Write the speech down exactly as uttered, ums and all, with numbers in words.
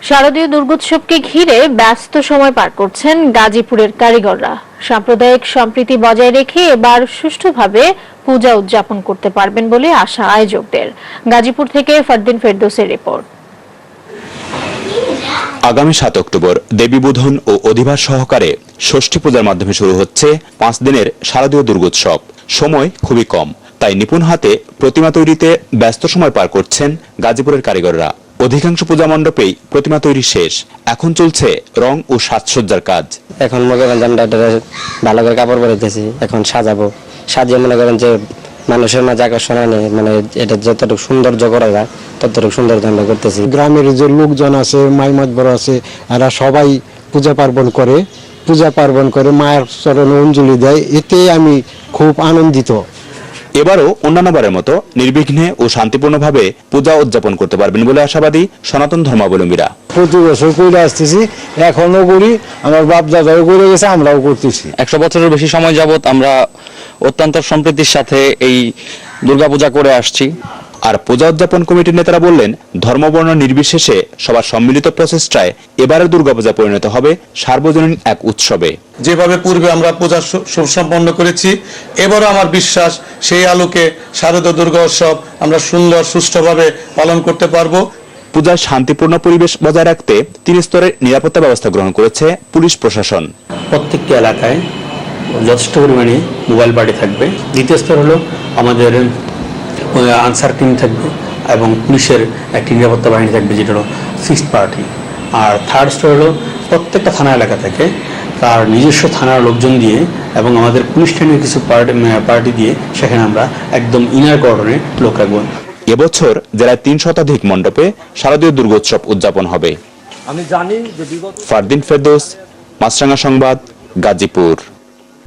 শারদীয় দুর্গোৎসবকে ঘিরে ব্যস্ত সময় পার করছেন গাজীপুরের কারিগররা। সাম্প্রদায়িক সম্প্রীতি বজায় রেখে এবার সুষ্ঠুভাবে পূজা উদযাপন করতে পারবেন বলে আশা আয়োজকদের। গাজীপুর থেকে ফারদিন ফেরদৌসের রিপোর্ট। আগামী সাত অক্টোবর দেবীবোধন ও অধিবাস সহকারে ষষ্ঠী পূজার মাধ্যমে শুরু হচ্ছে পাঁচ দিনের শারদীয় দুর্গোৎসব। সময় খুবই কম, তাই নিপুণ হাতে প্রতিমা তৈরিতে ব্যস্ত সময় পার করছেন গাজীপুরের কারিগররা। অধিকাংশ পূজা মণ্ডপেই প্রতিমা তৈরি শেষ, এখন চলছে রং ও সাজসজ্জার কাজ। এখন মনে করেন আমরা ভালো করে কাপড় পরাইতেছি, এখন সাজাবো, সাজিয়ে মনে করেন যে মানুষের মাঝে আকর্ষণ আনে, মানে এটা যতটুকু সৌন্দর্য করা যায় ততটুকু সৌন্দর্য আমরা করতেছি। গ্রামের যে লোকজন আছে, মাই মাতবর আছে, এরা সবাই পূজা পার্বণ করে পূজা পার্বণ করে মায়ের চরণে অঞ্জলি দেয়, এতে আমি খুব আনন্দিত। এবারও অন্যান্যবারের মতো নির্বিঘ্নে ও শান্তিপূর্ণভাবে পূজা উদযাপন করতে পারবেন বলে আশাবাদী সনাতন ধর্মাবলম্বীরা। প্রতি বছর করে আসতেছি, এখনো করি, আমার বাপ দাদাও করে গেছে, আমরাও করতেছি। একশো বছরের বেশি সময় যাবত আমরা অত্যন্ত সম্প্রীতির সাথে এই দুর্গাপূজা করে আসছি। আর পূজা উদযাপন কমিটির নেতারা বললেন, ধর্মবর্ণ নির্বিশেষে সবার সম্মিলিত প্রচেষ্টায় এবারের দুর্গাপূজা পরিণত হবে সার্বজনীন এক উৎসবে। যেভাবে পূর্বে আমরা পূজা সুসম্পন্ন করেছি, এবারও আমার বিশ্বাস সেই আলোকে শারদীয় দুর্গা উৎসব আমরা সুন্দর সুষ্ঠুভাবে পালন করতে পারবো। পূজার শান্তিপূর্ণ পরিবেশ বজায় রাখতে তিন স্তরের নিরাপত্তা ব্যবস্থা গ্রহণ করেছে পুলিশ প্রশাসন। প্রত্যেকটি এলাকায় যথেষ্ট পরিমাণে মোবাইল বাড়ি থাকবে। দ্বিতীয় স্তর হলো আমাদের আনসার টিম থাকবে এবং পুলিশের একটি নিরাপত্তা বাহিনী থাকবে, যেটা হলো সিক্সথ পার্টি। আর থার্ড স্তর হলো প্রত্যেকটা থানা এলাকা থেকে তার নিজস্ব থানার লোকজন দিয়ে এবং আমাদের পুলিশ ট্রেনের কিছু পার্টি পার্টি দিয়ে সেখানে আমরা একদম ইনার কর্ডনে লোক রাখবো। এবছর জেলায় তিন শতাধিক মণ্ডপে শারদীয় দুর্গোৎসব উদযাপন হবে। আমি জানি যে ফারদিন ফেরদৌস, মাছরাঙা সংবাদ, গাজীপুর।